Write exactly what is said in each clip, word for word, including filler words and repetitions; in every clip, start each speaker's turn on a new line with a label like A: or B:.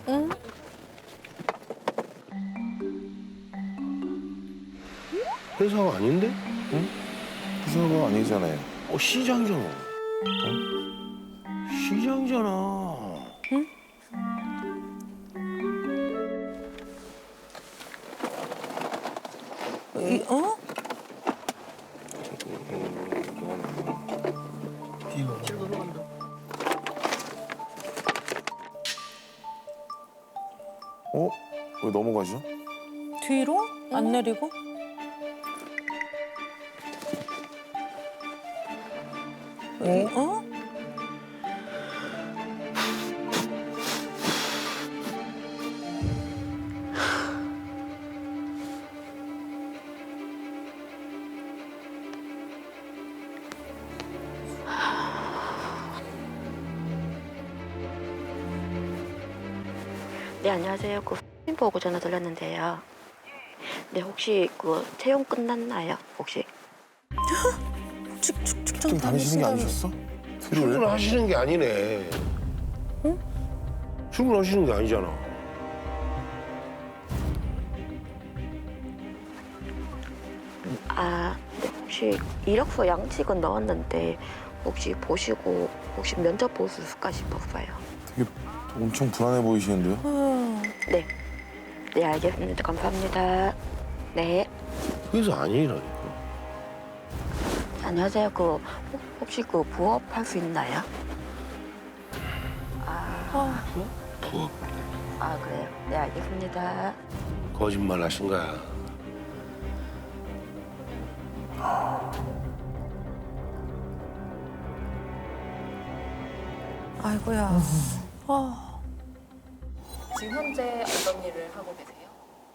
A: 응?
B: 회사가 아닌데?
C: 회사가 아니잖아요.
B: 어, 시장이잖아. 시장이잖아.
A: 이, 어?
C: 어? 왜 넘어가죠?
A: 뒤로? 안 내리고? 이, 어?
D: 네, 안녕하세요. 그 사진 보고 전화 드렸는데요. 네, 혹시 그 채용 끝났나요? 혹시?
A: 축, 축, 축,
C: 좀 다니시는 게 아니셨어? 트루에?
B: 출근하시는 게 아니네.
A: 응?
B: 출근하시는 게 아니잖아.
D: 아, 네, 혹시 이력서 양식은 넣었는데 혹시 보시고 혹시 면접 볼 수 있을까 싶었어요.
C: 되게 엄청 불안해 보이시는데요?
A: 어.
D: 네. 네, 알겠습니다. 감사합니다. 네.
B: 회사 아니라니까.
D: 안녕하세요. 그 혹- 혹시 그 부업 할 수 있나요? 아,
B: 부업.
D: 아 그래요? 네, 알겠습니다.
B: 거짓말 하신 거야.
A: 아이고야. 아.
E: 지금 현재 어떤 일을 하고 계세요?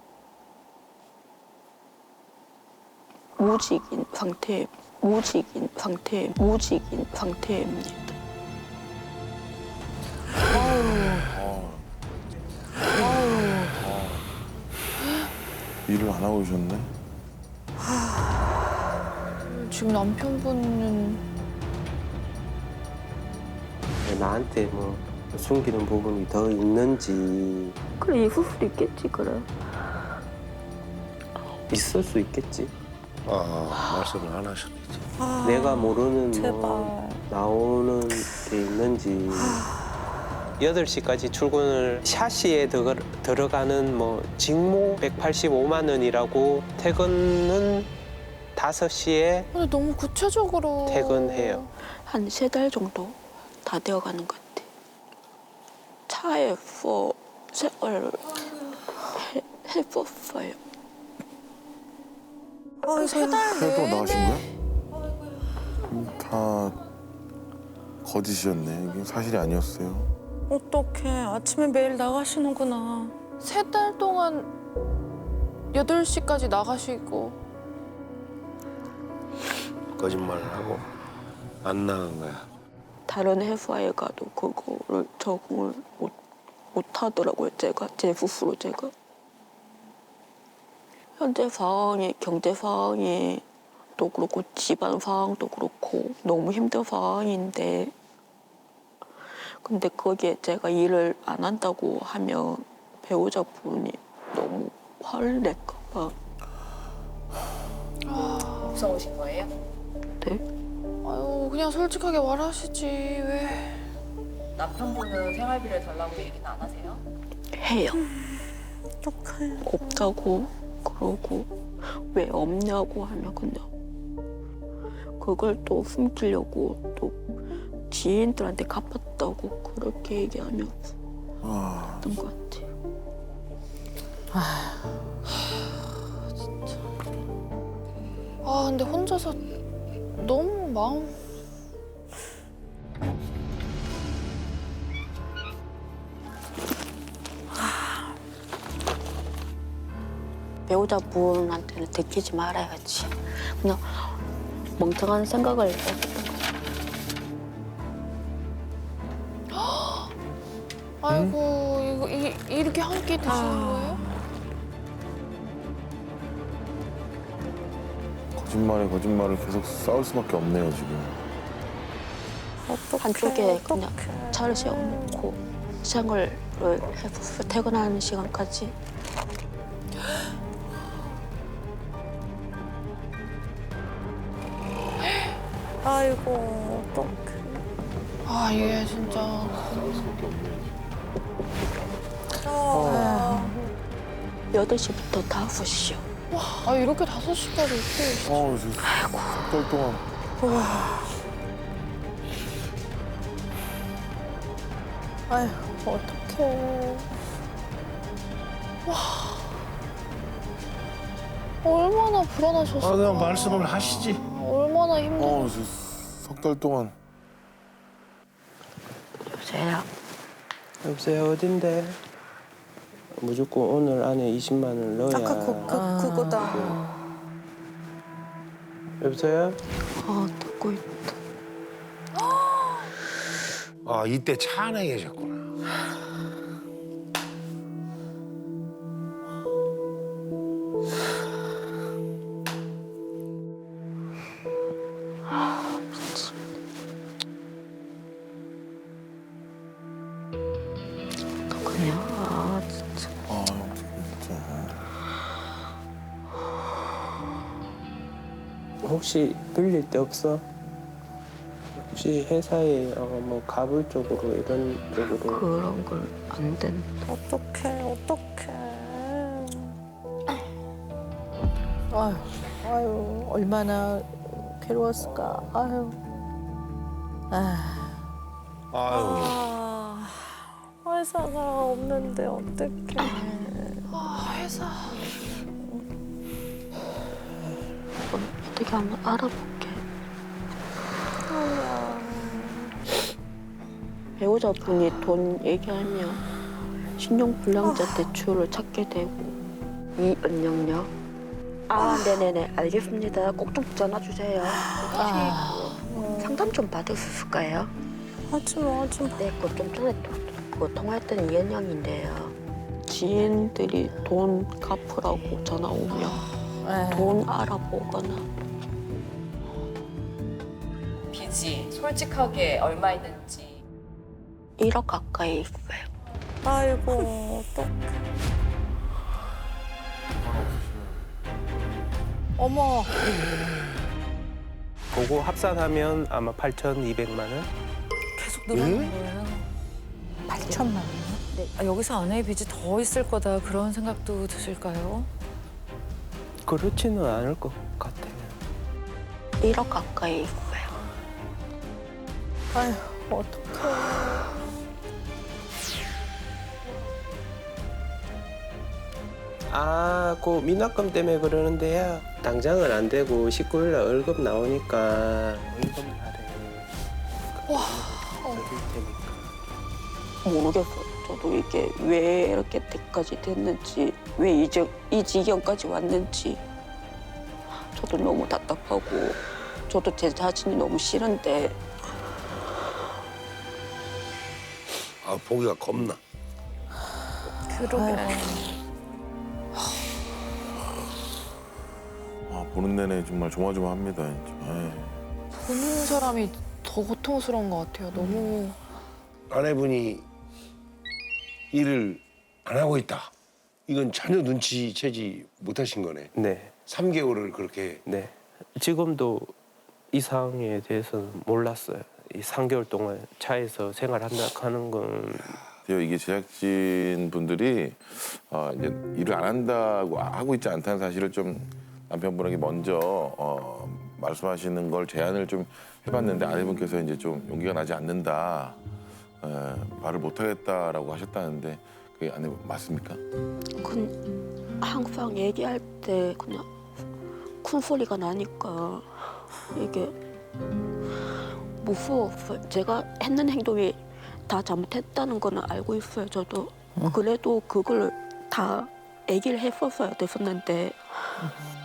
D: 무직인 상태, 무직인 상태, 무직인 상태입니다.
C: 일을 안 하고 계셨네?
E: 지금 남편분은
F: 나한테 뭐 숨기는 부분이 더 있는지
D: 그래, 있을 수도 있겠지, 그래.
F: 있을 수 있겠지.
B: 아, 말씀을 안 하셨겠지.
A: 아,
F: 내가 모르는
A: 제발.
F: 뭐 나오는 게 있는지. 여덟 시까지 출근을 샤시에 들어, 들어가는 뭐 직무 백팔십오만 원이라고 퇴근은 다섯 시에
E: 근데 너무 구체적으로
F: 퇴근해요.
D: 한 세 달 정도 다 되어가는 것 같아. 차에서 생활을 해, 해봤어요.
A: 아, 세달
C: 회사도
A: 내내.
C: 나가신 거야? 음, 다 거짓이었네. 이게 사실이 아니었어요.
A: 어떡해. 아침에 매일 나가시는구나.
E: 세 달 동안 여덟 시까지 나가시고
B: 거짓말을 하고 안 나간 거야.
D: 다른 회사에 가도 그거를 적응을 못, 못 하더라고요, 제가. 제 스스로 제가. 현재 상황이, 경제 상황이 또 그렇고 집안 상황도 그렇고 너무 힘든 상황인데 근데 거기에 제가 일을 안 한다고 하면 배우자분이 너무 화를 낼까 봐.
E: 무서우신 거예요?
D: 네?
E: 아유 그냥 솔직하게 말하시지 왜?
G: 남편분은 생활비를 달라고 얘기는 안 하세요?
D: 해요.
A: 어떡해.
D: 없다고 그러고 왜 없냐고 하면 그냥 그걸 또 숨기려고 또 지인들한테 갚았다고 그렇게 얘기하면서
C: 아,
D: 했던 것 같아요.
E: 아 근데 혼자서 너무 마음
D: 배우자분한테는 들키지 말아야지. 그냥 멍청한 생각을 했던 것 같아요.
E: 아이고 이거 이, 이렇게 한 끼 드시는 거예요?
C: 거짓말에 거짓말을 계속 싸울 수밖에 없네요, 지금.
A: 어떡해.
D: 한쪽에 그냥
A: 어떡해.
D: 차를 세워놓고 생활을 해봤어요. 퇴근하는 시간까지.
A: 아이고, 어떡해.
E: 아, 얘 진짜.
A: 아,
D: 여덟 시부터 다섯 시요.
E: 아, 이렇게 다섯 시까지 있고.
C: 어, 석달 동안.
A: 아휴, 어떡해.
E: 얼마나 불안하셨을까.
B: 아, 그냥 말씀을 하시지.
E: 얼마나 힘들.
C: 어, 석달 동안.
D: 여보세요?
F: 여보세요, 어딘데? 무조건 오늘 안에 이십만 원을 넣어야.
A: 아까 그, 그, 그거다.
F: 여보세요?
D: 아, 듣고 있다.
B: 아, 이때 차 안에 계셨구나.
D: 그냥, 아, 진짜.
C: 아, 진짜.
F: 혹시 들릴 데 없어? 혹시 회사에 어, 뭐 가불 쪽으로 이런 쪽으로
D: 그런 걸 안 된다.
A: 어떡해, 어떡해.
H: 아유, 아유, 얼마나 괴로웠을까. 아유. 아,
B: 아유.
A: 아, 회사가 없는데 어떡해.
E: 아, 회사.
D: 그럼 어떻게 한번 알아볼게. 배우자분이 돈 얘기하면 신용불량자 대출을 찾게 되고. 이은영요? 아, 네네네, 알겠습니다. 꼭 좀 전화 주세요. 혹시 상담 좀 받을 수 있을까요?
A: 하지 마, 하지 마.
D: 네, 그 좀 전에 또, 그 통화했던 이은영인데요. 지인들이 돈 갚으라고 전화 오면
H: 에이.
D: 돈 알아보거나.
G: 빚이 솔직하게 얼마 있는지
D: 일억 가까이 있어요.
A: 아이고, 어떡해.
H: 어머.
F: 그거 합산하면 아마 팔천이백만 원?
A: 계속 늘어나는 거예요.
H: 팔천만 원.
A: 아, 여기서 아내의 빚이 더 있을 거다 그런 생각도 드실까요?
F: 그렇지는 않을 것 같아요.
D: 일억 가까이 있어요.
H: 아유, 어떡해.
F: 아, 그 미납금 때문에 그러는데요. 당장은 안 되고 십구 일 날 월급 나오니까 월급 날에 와, 드릴 테니까.
D: 모르겠어요. 저도 이게 왜 이렇게 때까지 됐는지, 왜 이제 이 지경까지 왔는지 저도 너무 답답하고 저도 제 자신이 너무 싫은데
B: 아, 보기가 겁나.
A: 그러게.
C: 아, 보는 내내 정말 조마조마합니다. 진짜. 에이.
E: 보는 사람이 더 고통스러운 것 같아요. 너무.
B: 아내분이 일을 안 하고 있다. 이건 전혀 눈치채지 못하신 거네.
F: 네,
B: 삼 개월을 그렇게.
F: 네. 지금도 이 상황에 대해서는 몰랐어요. 이 삼 개월 동안 차에서 생활한다 하는 건
C: 이게 제작진 분들이 어, 이제 일을 안 한다고 하고 있지 않다는 사실을 좀 남편분에게 먼저 어, 말씀하시는 걸 제안을 좀 해봤는데 아내분께서 이제 좀 용기가 나지 않는다, 에, 말을 못하겠다라고 하셨다는데 그게 아내 맞습니까?
D: 그 항상 얘기할 때 그냥 큰 소리가 나니까 이게 무서웠어요. 제가 했는 행동이 다 잘못했다는 거는 알고 있어요. 저도 그래도 그걸 다 얘기를 했었어야 됐었는데